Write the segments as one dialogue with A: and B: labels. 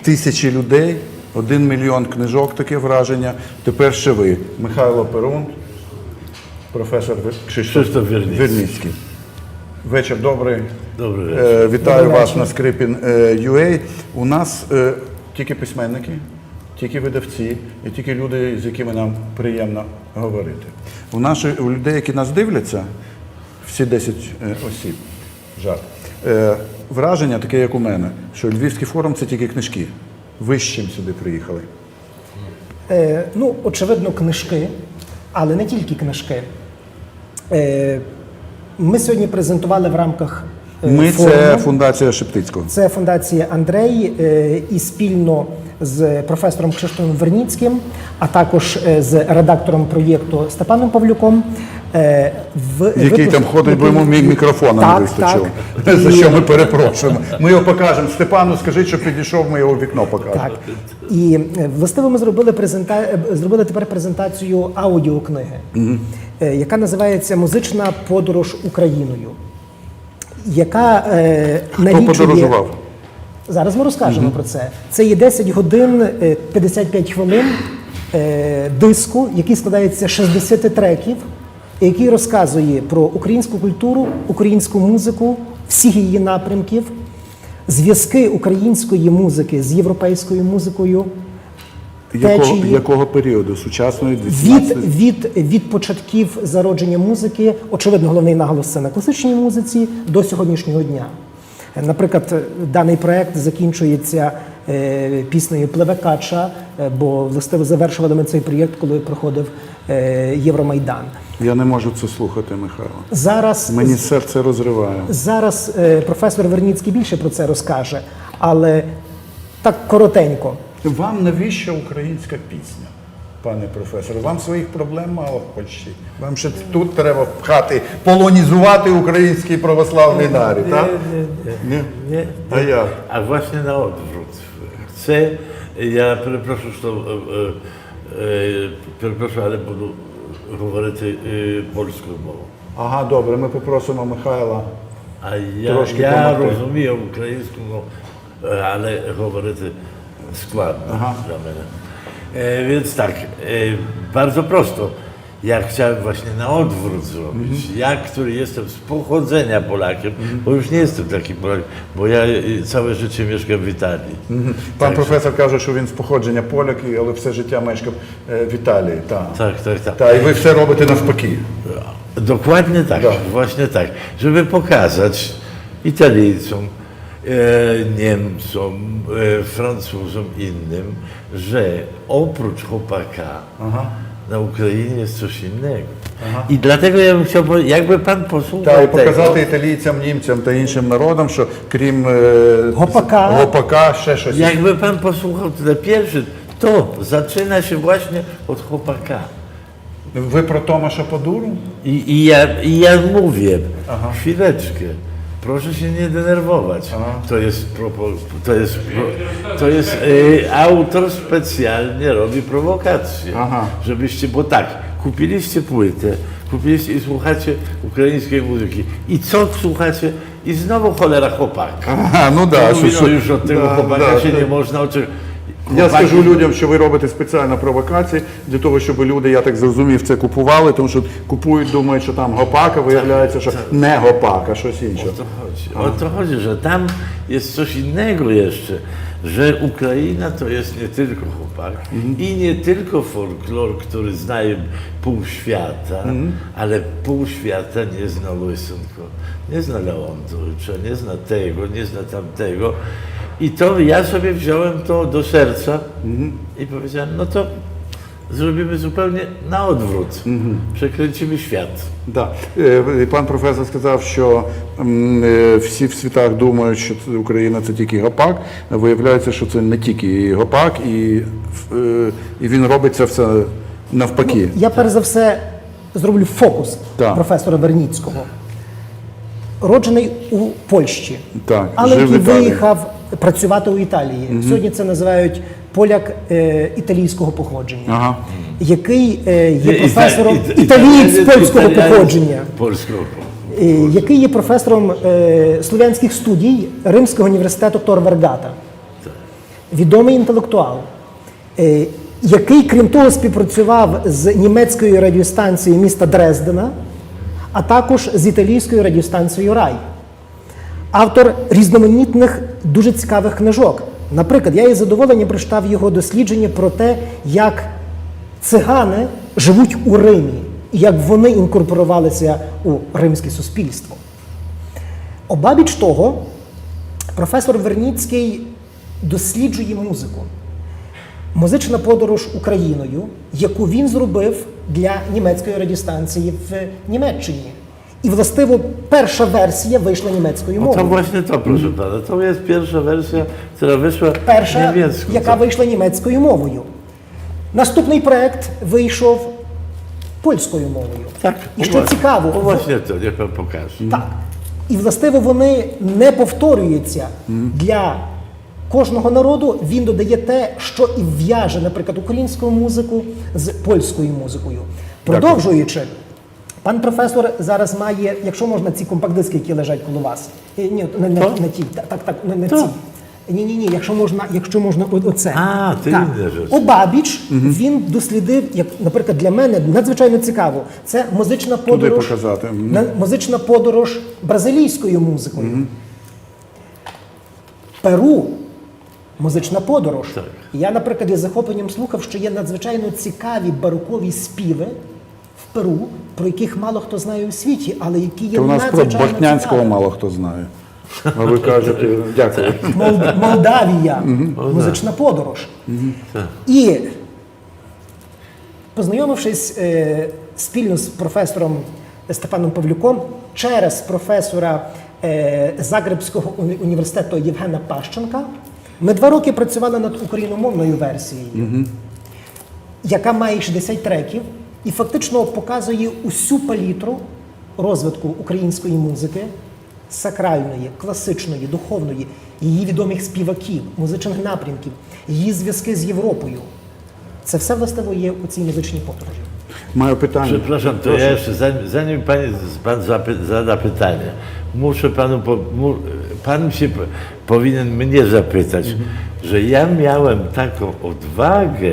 A: тисячі людей, 1 мільйон книжок, таке враження. Тепер ще ви. Михайло Перун, професор Кшиштоф Верніцький. Вечір добрий.
B: Добрий вечір.
A: Вітаю вас на Скрипін.ua. У нас тільки письменники, тільки видавці і тільки люди, з якими нам приємно говорити. У людей, які нас дивляться, всі 10 осіб, жарт, враження таке, як у мене, що Львівський форум – це тільки книжки. Ви з чим сюди приїхали?
C: Ну, очевидно, книжки, але не тільки книжки. Ми сьогодні презентували в рамках
A: Ми –
C: форуму.
A: це фундація Шептицького.
C: Це фундація Андрей і спільно з професором Кшиштофом Верніцьким, а також з редактором проєкту Степаном Павлюком.
A: Який там ходить, бо йому мікрофона не вистачило. За що ми перепрошуємо. Ми його покажемо. Степану скажіть, що підійшов, ми його в вікно покажемо.
C: Так. І властиво ми зробили тепер презентацію аудіокниги, яка називається «Музична подорож Україною», яка
A: Хто подорожував?
C: Зараз ми розкажемо про це. Це є 10 годин 55 хвилин диску, який складається з 60 треків, який розказує про українську культуру, українську музику, всіх її напрямків, зв'язки української музики з європейською музикою.
A: Якого періоду? Сучасної?
C: Від початків зародження музики, очевидно, головний наголос це на класичній музиці, до сьогоднішнього дня. Наприклад, даний проєкт закінчується піснею «Пливе кача», бо властиво завершували ми цей проєкт, коли проходив Євромайдан.
A: Я не можу це слухати, Михайло. Мені серце розриває.
C: Зараз професор Верніцький більше про це розкаже, але так коротенько.
A: Вам навіщо українська пісня, пане професоре? Вам своїх проблем мало в Польщі? Вам ще тут треба пхати, полонізувати український православний народ, так?
B: Ні.
A: А як?
B: А właśnie na odwrót. Я перепрошую, але буду говорити польською мовою.
A: Ага, добре, ми попросимо Михайла трошки
B: я
A: допомогти.
B: розумію українську мову, але говорити składne dla mnie. Więc tak, bardzo prosto. Ja chciałem właśnie na odwrót zrobić. Ja, który jestem z pochodzenia Polakiem, bo już nie jestem taki Polak, bo ja całe życie mieszkam w Italii.
A: Пан професор каже, що він з походження поляк, але все життя мешкав в Італії.
B: Tak.
A: І ви все робите навпаки.
B: Dokładnie tak, właśnie tak. Żeby pokazać Italijcom, Niemcom, Francuzom, innym, że oprócz chłopaka na Ukrainie jest coś innego. I dlatego ja bym chciał, jakby pan posłuchał
A: Так, і показати італійцям, німцям та іншим народам, що крім гопака ще щось.
B: Jakby pan posłuchał ten pierwszy, to zaczyna się właśnie od chłopaka.
A: Ви про Томаша Подуру?
B: I ja mówię, chwileczkę. Proszę się nie denerwować. To jest autor specjalnie robi prowokację, żebyście, bo tak, kupiliście płytę, i słuchacie ukraińskiej muzyki. I co słuchacie? I znowu cholera chłopak.
A: Ну да,
B: Już od tego chłopaka się nie można oczekiwać.
A: Я скажу людям, що ви робите спеціально провокації для того, щоб люди, я так зрозумів, це купували, тому що купують, думають, що там гопак, а виявляється, що не гопак, а щось інше.
B: O to chodzi, że tam jest coś innego jeszcze, że Ukraina to jest nie tylko chłopak i nie tylko folklor, który zna pół świata, ale pół świata nie zna Łysenko, nie zna Leontowicza, nie zna tego, nie zna tamtego. I to ja sobie wziąłem to do serca i powiedziałem, no to zrobimy zupełnie na odwrót. Przekręcimy świat.
A: Да. Пан професор сказав, що всі в світах думають, що Україна – це тільки гопак. Виявляється, що це не тільки гопак, і він робить це все навпаки.
C: Я перш за все зроблю фокус професора Верніцького. Роджений у Польщі, але який виїхав працювати у Італії. Сьогодні це називають поляк італійського походження, який є професором італієць польського походження, який є професором слов'янських студій Римського університету Тор Вергата. відомий інтелектуал, який, крім того, співпрацював з німецькою радіостанцією міста Дрездена, а також з італійською радіостанцією Рай. Автор різноманітних, дуже цікавих книжок. Наприклад, я із задоволенням прочитав його дослідження про те, як цигани живуть у Римі, і як вони інкорпорувалися у римське суспільство. Обабіч того, професор Верніцький досліджує музику. Музична подорож Україною, яку він зробив для німецької радіостанції в Німеччині. I właściwie pierwsza wersja wyszła niemiecką
B: No
C: mową.
B: to właśnie to, proszę pana. To jest pierwsza wersja, która wyszła
C: Перша,
B: niemiecką.
C: яка вийшла німецькою мовою. Наступний проект вийшов польською мовою.
B: Tak.
C: І що цікаво,
B: No właśnie to, niech pan pokaże.
C: так. І властиво вони не повторюються для кожного народу. Він додає те, що і в'яже, наприклад, українську музику з польською музикою. Продовжуючи, пан професор зараз має, якщо можна, ці компакт-диски, які лежать коло вас. Ні, не ті, не ці. Ні, якщо можна оце.
B: А, ти
C: так.
B: інше ж.
C: Обабіч він дослідив, як, наприклад, для мене надзвичайно цікаво. Це музична подорож,
A: показати.
C: музична подорож бразилійською музикою. Перу музична подорож.
B: Так.
C: Я, наприклад, із захопленням слухав, що є надзвичайно цікаві барокові співи в Перу, про яких мало хто знає у світі, але які є
A: То у нас про
C: надзвичайно
A: Бортнянського
C: цікаві.
A: мало хто знає. А ви кажете, дякую.
C: Молдавія, музична подорож. І познайомившись спільно з професором Степаном Павлюком через професора Загребського університету Євгена Пащенка, ми 2 роки працювали над україномовною версією, яка має 60 треків і фактично показує усю палітру розвитку української музики, сакральної, класичної, духовної, її відомих співаків, музичних напрямків, її зв'язки з Європою. Це все властиво є у цій музичній подорожі.
A: Маю питання.
B: Przepraszam, to ja jeszcze, zanim pan zada pytanie, muszę panu, pan się powinien mnie zapytać, że ja miałem taką odwagę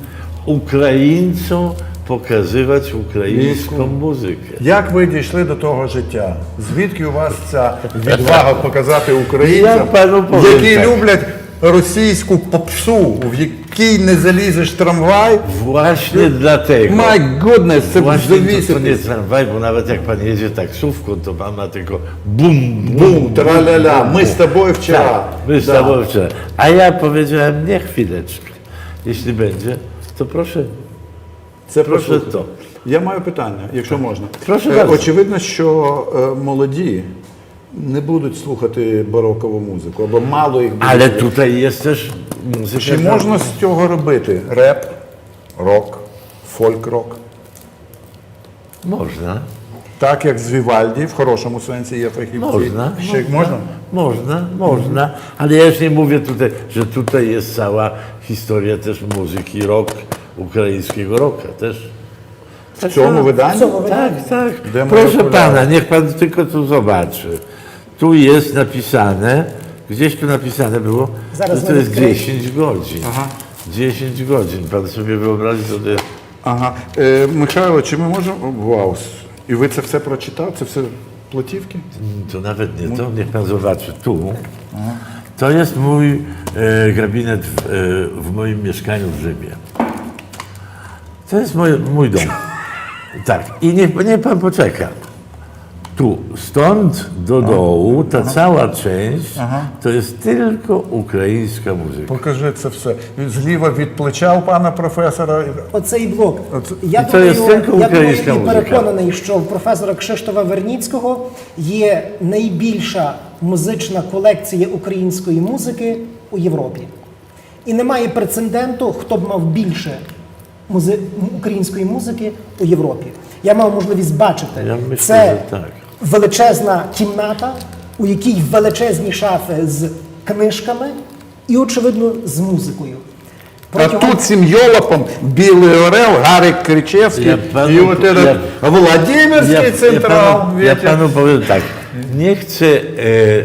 B: Ukraińcom pokazywać ukraińską muzykę.
A: Як ви дійшли до того життя? Звідки у вас ця відвага показати українцям,
B: Я пану повім
A: які
B: так.
A: люблять російську попсу, в якій не залізеш в трамвай?
B: Właśnie dlatego.
A: My goodness, це
B: Właśnie to nie
A: завісити.
B: tramwaj, bo nawet jak pan jedzie taksówką, to pan ma tylko bum,
A: Бум, траля-ля, ми з тобою вчора.
B: Tak, my z
A: Да.
B: tobą wczoraj. A ja powiedziałem, nie chwileczkę. Jeśli będzie, to proszę.
A: Це
B: Прошу
A: прошу.
B: то.
A: Я маю питання, якщо можна.
B: Прошу bardzo.
A: Очевидно, що молоді не будуть слухати барокову музику, або мало їх буде.
B: Ale tutaj jest też muzyka.
A: Чи можна з цього робити реп, рок, фольк-рок?
B: Można.
A: Так, як з Вівальді, в хорошому сенсі є фахівці.
B: Można.
A: Ще можна?
B: Można, ale ja już nie mówię tutaj, że tutaj jest cała historia też muzyki rock, ukraińskiego rocka też.
A: В цьому виданні?
B: Tak, tak.
A: Demo
B: Proszę
A: okulary.
B: pana, niech pan tylko tu zobaczy. Tu jest napisane, gdzieś tu napisane było,
C: Zaraz
B: że to jest
C: nawet
B: 10 godzin. 10 godzin. Pan sobie wyobrazi, co to jest.
A: Ага. Михайло, чи ми можемо. Вау. І ви це все прочитав? Це все платівки?
B: To nawet nie to, niech pan zobaczy. Tu. To jest mój gabinet w moim mieszkaniu w Rzymie. To jest mój dom. Tak. I niech pan poczeka. Tu, stąd do dołu, ta cała część, to jest tylko ukraińska muzyka.
A: Покажи це все. Зліва від плеча у пана професора.
C: Оцей блок. Я
B: І це є тільки українська
C: і
B: музика.
C: переконаний, що в професора Кшиштофа Верніцького є найбільша музична колекція української музики у Європі. І немає прецеденту, хто б мав більше української музики у Європі. Я мав можливість бачити.
B: Я myślę,
C: Це
B: że tak.
C: величезна кімната, у якій величезні шафи з книжками і, очевидно, з музикою.
A: А тут цим йолопом Білий Орел, Гарик Кричевський
B: Я пану-
A: і от этот Володимирський централ.
B: Ja panu powiem tak, nie chcę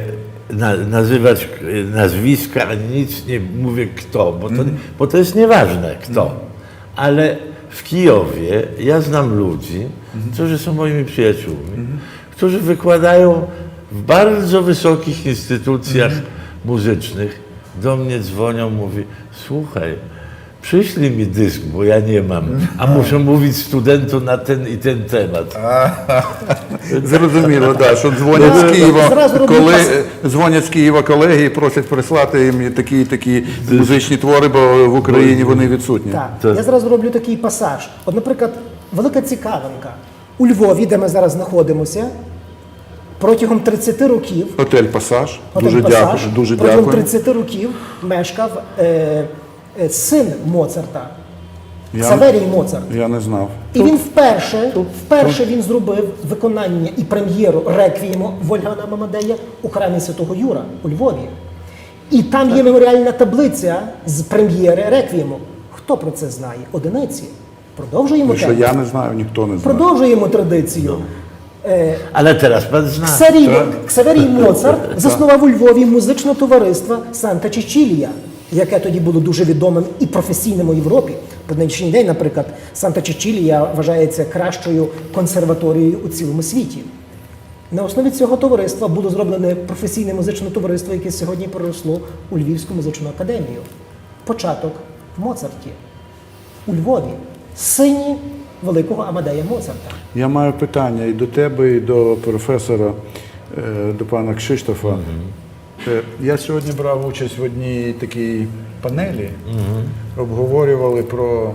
B: nazywać nazwiska, ani nic nie mówię kto, bo to jest nieważne kto. Ale w Kijowie ja znam ludzi, którzy są moimi przyjaciółmi, którzy wykładają w bardzo wysokich instytucjach muzycznych. Do mnie dzwonią, mówi, słuchaj, przyślij mi dysk, bo ja nie mam, a muszę mówić studentu na ten i ten temat.
A: Зрозуміло, да, що дзвонять з Києва колеги і просять прислати їм такі музичні твори, бо в Україні вони відсутні.
C: Так. Я зараз роблю такий пасаж. От, наприклад, велика цікавинка. У Львові, де ми зараз знаходимося, протягом 30 років
A: Готель «Пасаж».
C: Готель «Пасаж»,
A: Дуже
C: протягом
A: дякую.
C: 30 років мешкав син Моцарта, Ксаверій Моцарт.
A: Я не знав.
C: І він вперше він зробив виконання і прем'єру реквієму Вольфганга Амадея у храмі Святого Юра у Львові. І там є меморіальна таблиця з прем'єри реквієму. Хто про це знає? Одиниці. Продовжуємо
A: Що я не знаю, ніхто не знає.
C: Продовжуємо традицію.
B: Ale teraz pan zna.
C: Ксаверій Моцарт заснував у Львові музичне товариство Санта Чечілія, яке тоді було дуже відомим і професійним у Європі. По нинішній день, наприклад, Санта Чечілія вважається кращою консерваторією у цілому світі. На основі цього товариства було зроблене професійне музичне товариство, яке сьогодні переросло у Львівську музичну академію. Початок в Моцарті, у Львові, сині великого Амадея Моцарта.
A: Я маю питання і до тебе, і до професора, до пана Кшиштофа. Я сьогодні брав участь в одній такій панелі, обговорювали про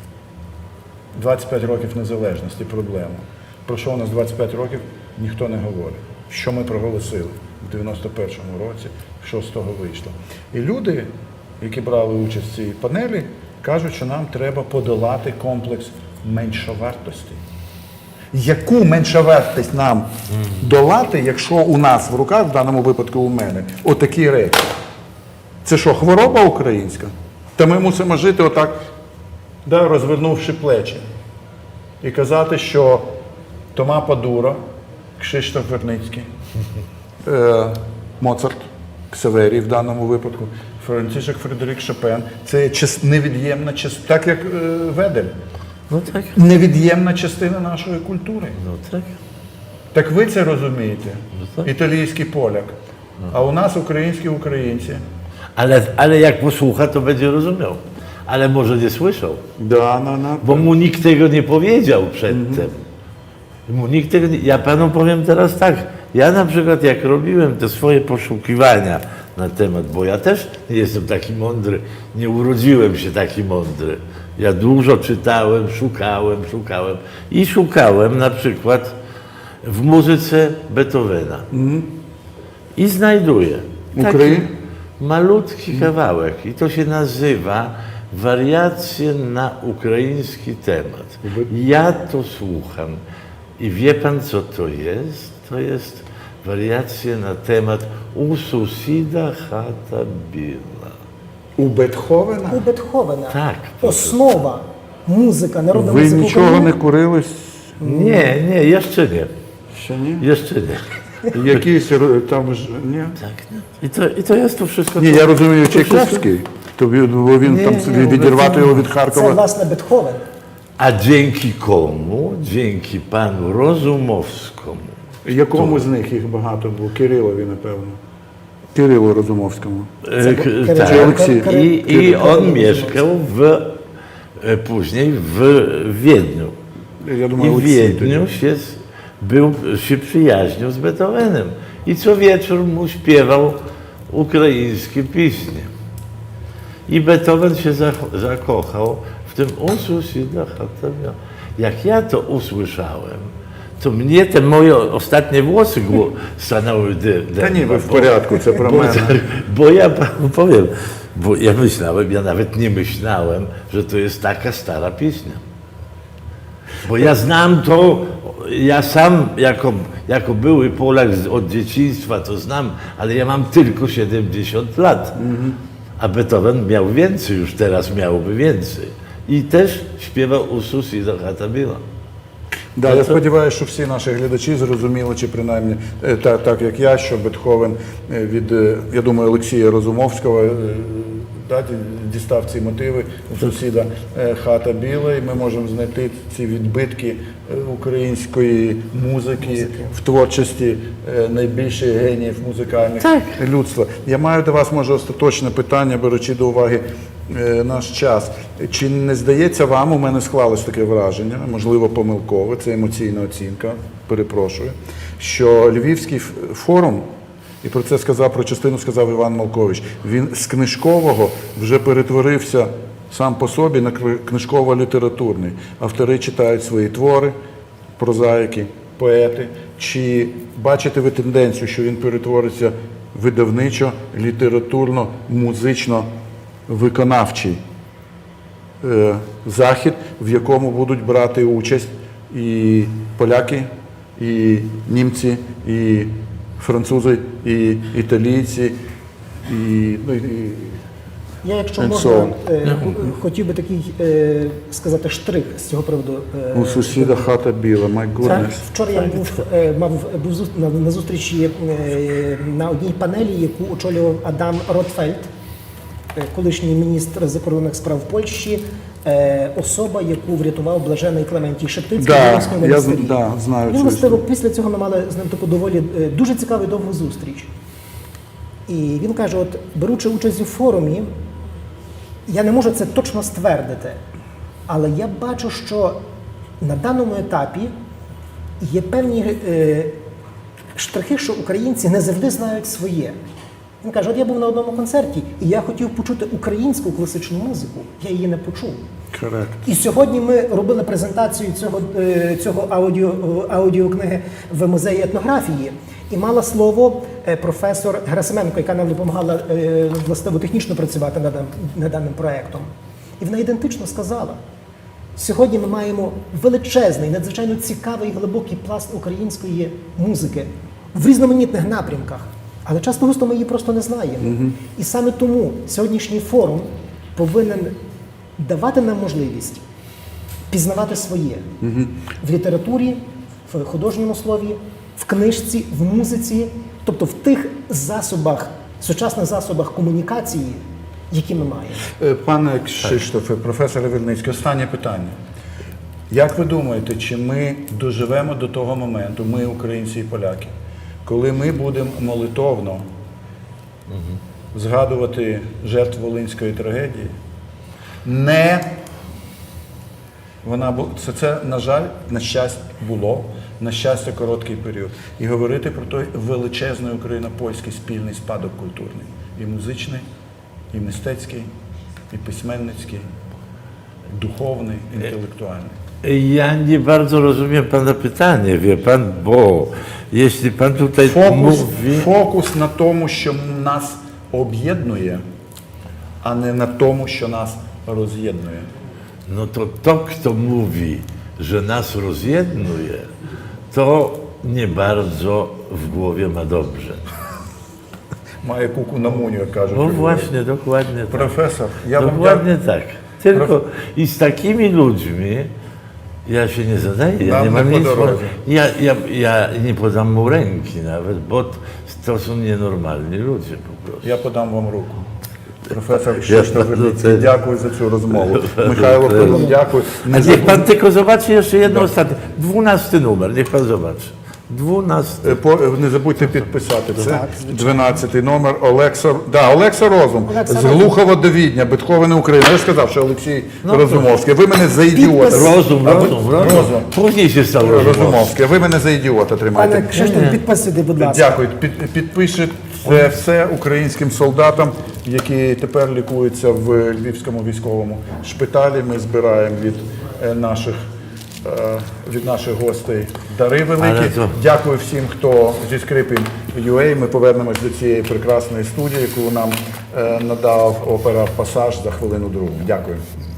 A: 25 років незалежності, проблему. Про що у нас 25 років, ніхто не говорить. Що ми проголосили в 91-му році, що з того вийшло. І люди, які брали участь в цій панелі, кажуть, що нам треба подолати комплекс меншовартості. Яку меншовартість нам долати, якщо у нас в руках, в даному випадку у мене, отакі речі? Це що, хвороба українська? Та ми мусимо жити отак, да, розвернувши плечі. І казати, що Тома Падура, Кшиштоф Верницький, Моцарт, Ксаверій в даному випадку, Францишек Фредерік Шопен – це невід'ємна частина, так як Ведель.
B: No tak.
A: Невід'ємна частина нашої культури.
B: No tak.
A: Так ви це розумієте? Італійський поляк. А у нас українські українці.
B: Ale jak posłucha, to będzie rozumiał. Ale może nie słyszał.
A: Да,
B: Bo mu nikt tego nie powiedział przedtem. Mu nikt tego nie... Ja panu powiem teraz tak. Ja na przykład jak robiłem te swoje poszukiwania na temat, bo ja też nie jestem taki mądry, nie urodziłem się taki mądry. Ja dużo czytałem, szukałem i szukałem na przykład w muzyce Beethovena. I znajduję taki malutki kawałek i to się nazywa Wariacje na ukraiński temat. Ja to słucham i wie pan co to jest? To jest wariacje na temat U susida chata biła.
A: У Бетховена?
C: У Бетховена
B: Так.
C: основа музика, народна
A: Ви
C: музика
A: нічого
C: України.
A: не курили?
B: Nie, jeszcze nie.
A: Ще ні?
B: Jeszcze nie.
A: Якісь там ж, ні?
B: Tak. I to jest to wszystko.
A: Ні, я розумію,
B: to
A: Чайковський. То він там відірвати його від
C: Це,
A: Харкова.
C: власне, Бетховен.
B: A dzięki komu? Dzięki panu Rozumowskiemu.
A: Якому з них їх багато було? Кирилові, напевно. Кирилу Розумовському.
B: Tak.
A: Aleksiej.
B: I on mieszkał później w Wiedniu.
A: Я
B: I
A: думаю,
B: w
A: Олексій тоді.
B: Wiedniu się przyjaźnił z Beethovenem. I co wieczór mu śpiewał ukraińskie piśnie. I Beethoven się zakochał w tym Ususida Hatamia. Jak ja to usłyszałem, to mnie te moje ostatnie włosy stanęły
A: Та ні, ви в порядку, це про мене.
B: Bo ja panu powiem, bo ja myślałem, ja nawet nie myślałem, że to jest taka stara pieśnia. Bo ja znam to, ja sam jako były Polak od dzieciństwa to znam, ale ja mam tylko 70 lat. A Beethoven miał więcej, już teraz miałby więcej. I też śpiewał Usus i Hatabila.
A: Да, я сподіваюся, що всі наші глядачі зрозуміли, чи принаймні так як я, що Бетховен від, я думаю, Олексія Розумовського дістав ці мотиви у сусіда «Хата біла», і ми можемо знайти ці відбитки української музики в творчості найбільших геніїв музикальних людства. Я маю до вас, може, остаточне питання, беручи до уваги наш час. Чи не здається вам, у мене склалось таке враження, можливо помилкове, це емоційна оцінка, перепрошую, що Львівський форум, і про це про частину сказав Іван Малкович, він з книжкового вже перетворився сам по собі на книжково-літературний. Автори читають свої твори, прозаїки, поети. Чи бачите ви тенденцію, що він перетвориться видавничо, літературно, музично виконавчий захід, в якому будуть брати участь і поляки, і німці, і французи, і італійці, і
C: Я, якщо можна, хотів би такий сказати штрих з цього приводу.
A: У сусіда хата біла, my goodness.
C: Вчора я був на зустрічі на одній панелі, яку очолював Адам Ротфельд, колишній міністр закордонних справ Польщі, особа, яку врятував блажений Клементій Шептицький в Римському монастирі.
A: Знаю
C: Він,
A: цю історію.
C: після цього ми мали з ним таку доволі дуже цікаву і довгу зустріч. І він каже, от беручи участь у форумі, я не можу це точно ствердити, але я бачу, що на даному етапі є певні штрихи, що українці не завжди знають своє. Він каже, от я був на одному концерті, і я хотів почути українську класичну музику, я її не почув.
A: Correct.
C: І сьогодні ми робили презентацію цього аудіокниги в музеї етнографії. І мала слово професор Герасименко, яка нам допомагала властиво технічно працювати над даним проєктом. І вона ідентично сказала, сьогодні ми маємо величезний, надзвичайно цікавий, глибокий пласт української музики в різноманітних напрямках. Але часто густо ми її просто не знаємо. І саме тому сьогоднішній форум повинен давати нам можливість пізнавати своє в літературі, в художньому слові, в книжці, в музиці, тобто в тих засобах, сучасних засобах комунікації, які ми маємо.
A: Пане Кшиштофе, професоре Верницький, останнє питання. Як ви думаєте, чи ми доживемо до того моменту, ми, українці і поляки, коли ми будемо молитовно згадувати жертв Волинської трагедії? Це, на жаль, на щастя було, на щастя, короткий період. І говорити про той величезний україно-польський спільний спадок культурний. І музичний, і мистецький, і письменницький, dуховny, intelektualny.
B: Ja nie bardzo rozumiem Pana pytanie, wie Pan, bo jeśli Pan tutaj mówi...
A: Фокус на тому, що нас об'єднує, а не на тому, що нас роз'єднує.
B: No to kto mówi, że nas rozjednuje, to nie bardzo w głowie ma dobrze.
A: Має куку на муню, як кажуть.
B: No właśnie, dokładnie tak.
A: Професор, я вам
B: Dokładnie tak. Tylko i z takimi ludźmi ja się nie zadaję, ja
A: Nam
B: nie mam
A: nie
B: nic.
A: po drodze.
B: Ja nie podam mu ręki nawet, bo to są nienormalni ludzie po prostu.
A: Я подам вам руку. Професор Кшиштоф Верницький, дякую за цю розмову. Михайло Пилон, дякую.
B: A niech Pan tylko zobaczy jeszcze jedno ostatnie. 12 numer, niech Pan zobaczy. 12.
A: Не забудьте підписати. Це 12-й номер. Олекса Розум. З Глухова до Відня, Бетховена, Україна. Я ж сказав, що Олексій Розумовський. Ви мене за ідіота.
B: Розум. Później się stał
A: Розумовський. Ви мене за ідіота тримаєте.
C: Пане Кшиштоф, підписуйте, будь ласка.
A: Дякую. Підпишіть це все українським солдатам, які тепер лікуються в Львівському військовому шпиталі. Ми збираємо від наших гостей дари великі. Дякую всім, хто зі Скрипін.UA. Ми повернемось до цієї прекрасної студії, яку нам надав опера «Пасаж» за хвилину другу. Дякую.